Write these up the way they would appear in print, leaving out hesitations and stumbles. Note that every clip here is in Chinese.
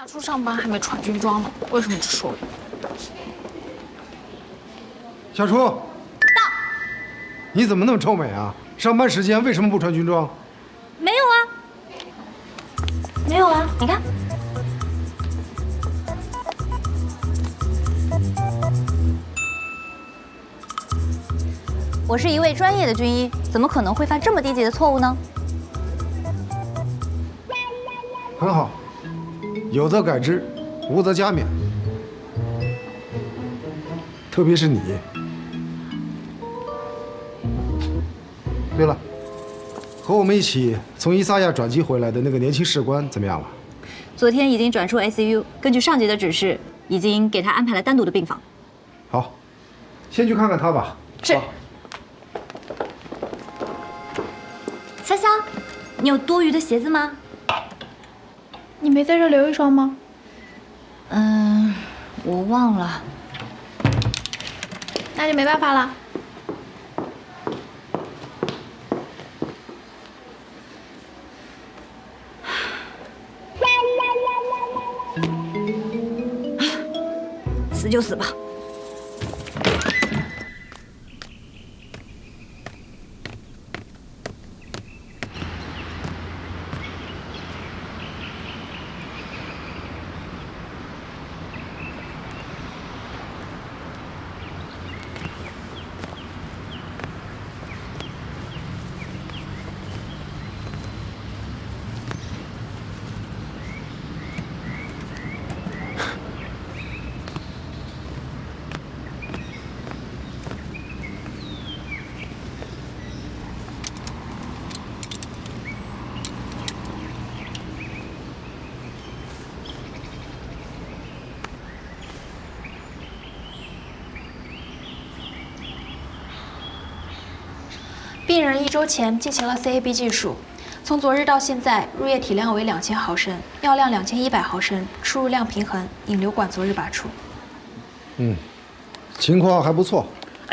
夏初上班还没穿军装呢，为什么只说我？ 小初，到。你怎么那么臭美啊？上班时间为什么不穿军装？ 没有啊，没有啊，你看。 我是一位专业的军医，怎么可能会犯这么低级的错误呢？ 很好，有则改之，无则加勉。特别是你。对了，和我们一起从伊萨亚转机回来的那个年轻士官怎么样了？ 昨天已经转出 ICU， 根据上级的指示，已经给他安排了单独的病房。 好，先去看看他吧。 是。潇潇，你有多余的鞋子吗？ 你没在这留一双吗？ 我忘了。 那就没办法了。 死就死吧。 病人1周前进行了 CAB 技术，从昨日到现在，入液体量为2000毫升，药量2100毫升，出入量平衡，引流管昨日拔出。 情况还不错。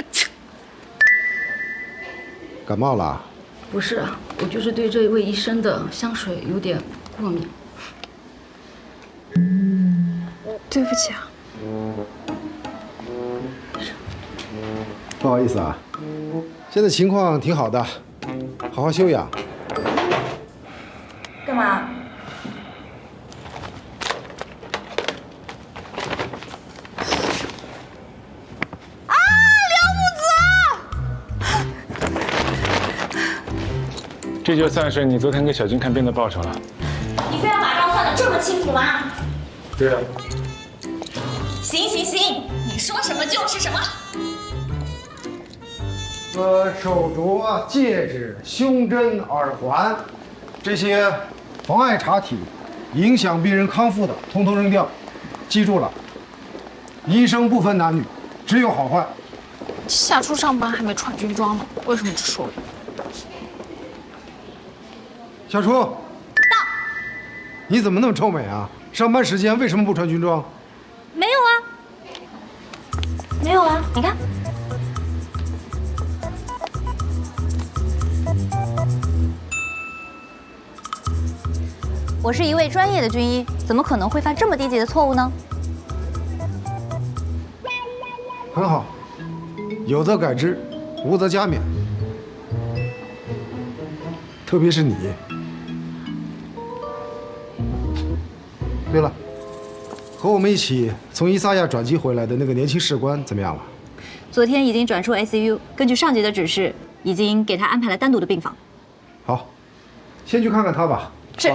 感冒了？ 不是，我就是对这一位医生的香水有点过敏。 对不起啊。 不好意思啊。现在情况挺好的，好好休养。 干嘛？ 这就算是你昨天给小军看病的报酬了。 你非要把账算得这么清楚吗？ 对啊。 行行行，你说什么就是什么。 手镯、戒指、胸针、耳环，这些妨碍查体、影响病人康复的，统统扔掉。记住了，医生不分男女，只有好坏。 夏初上班还没穿军装呢，为什么只说我？ 小初，到。你怎么那么臭美啊？上班时间为什么不穿军装？ 没有啊，没有啊，你看。我是一位专业的军医，怎么可能会犯这么低级的错误呢？ 很好，有则改之，无则加勉。特别是你。对了，和我们一起从伊萨亚转机回来的那个年轻士官怎么样了？ 昨天已经转出 ICU， 根据上级的指示，已经给他安排了单独的病房。 好，先去看看他吧。 是。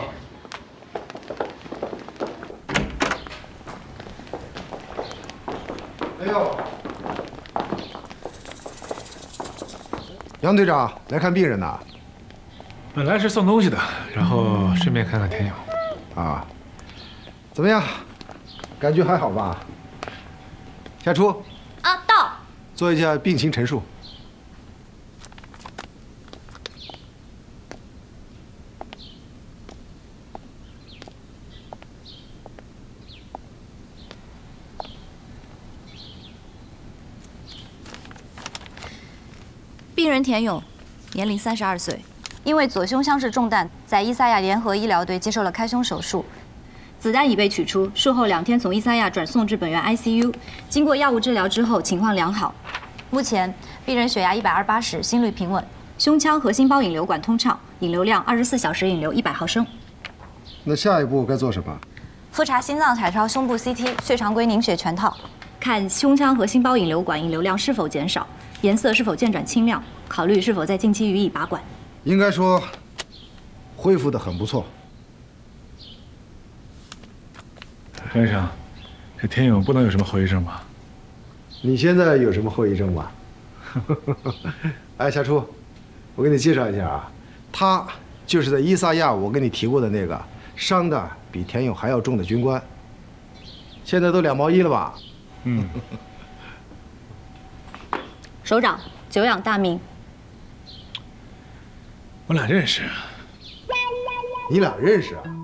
哎呦，杨队长来看病人呐？ 本来是送东西的，然后顺便看看田勇。 啊，怎么样？感觉还好吧？夏初。 啊，到。 做一下病情陈述。 病人田勇，年龄32岁，因为左胸腔室中弹，在伊萨亚联合医疗队接受了开胸手术。 子弹已被取出，术后2天从伊萨亚转送至本院 ICU， 经过药物治疗之后情况良好。目前病人血压120/80，心率平稳，胸腔和心包引流管通畅，引流量24小时引流100毫升。 那下一步该做什么？ 复查心脏彩超、胸部 CT、血常规凝血全套，看胸腔和心包引流管引流量是否减少，颜色是否渐转清亮，考虑是否在近期予以拔管。 应该说，恢复得很不错。 何医生，这田勇不能有什么后遗症吧？ 你现在有什么后遗症吗？哎，夏初，我给你介绍一下啊，他就是在伊萨亚我跟你提过的那个伤的比田勇还要重的军官，现在都2毛1了吧？ 嗯。 首长，久仰大名。 我俩认识。 你俩认识啊？